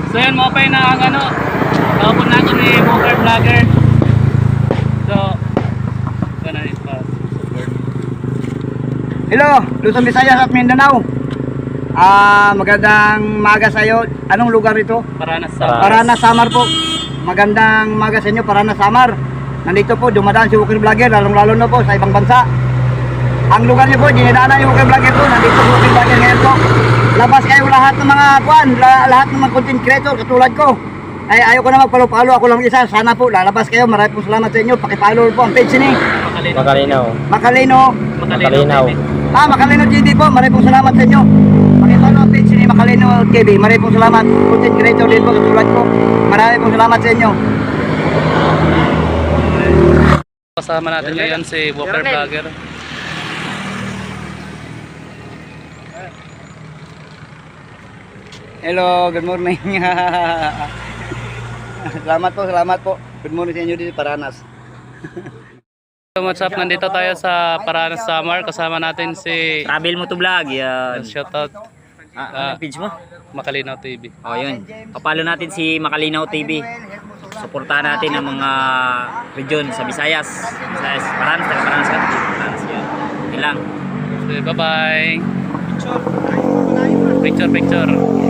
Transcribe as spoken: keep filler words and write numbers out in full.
So yan mo pa na ang ano, kapon natin ni Walker Vlogger. So, gana rin pa. Hello, Luzon, Visayas at Mindanao. Ah, magandang maga sa iyo. Anong lugar ito? Paranas sa Paranas, Samar po. Magandang maga sa inyo, Paranas, Samar. Nandito po, dumadaan si Walker Vlogger, lalong-lalo na po sa ibang bansa. Ang lugar niyo po, dinadaanan yung Walker Vlogger po. Nandito po Walker Vlogger ngayon po. Labas kayo lahat ng mga kuan, lahat ng mga content creator katulad ko. Ay, ayaw ko na magpalo-palo, ako lang isa. Sana po, lalabas kayo. Maraming po salamat sa inyo. Pakipalo po ang page ni Makalinaw. Makalino. Makalinaw. Ah, Makalino T V po. Maraming po salamat sa inyo. Pakipalo ang page ni Makalino T V. Maraming po salamat. Content creator din po katulad ko. Maraming po salamat sa inyo. kasama natin ngayon si Walker Vlogger. Hello, good morning. Salamat po, salamat po. Good morning sa inyo dito Paranas. So what's up, nandito tayo sa Paranas Samar. Kasama natin si Travel mo to vlog, yan. shoutout Ah, ano page mo? Makalinaw T V. O yun, kapalo natin si Makalinaw T V. Suportahan natin ang mga region sa Visayas. Visayas, Paranas, taga Paranas ka. Paranas yan. Yun lang. So, bye bye. Picture, picture.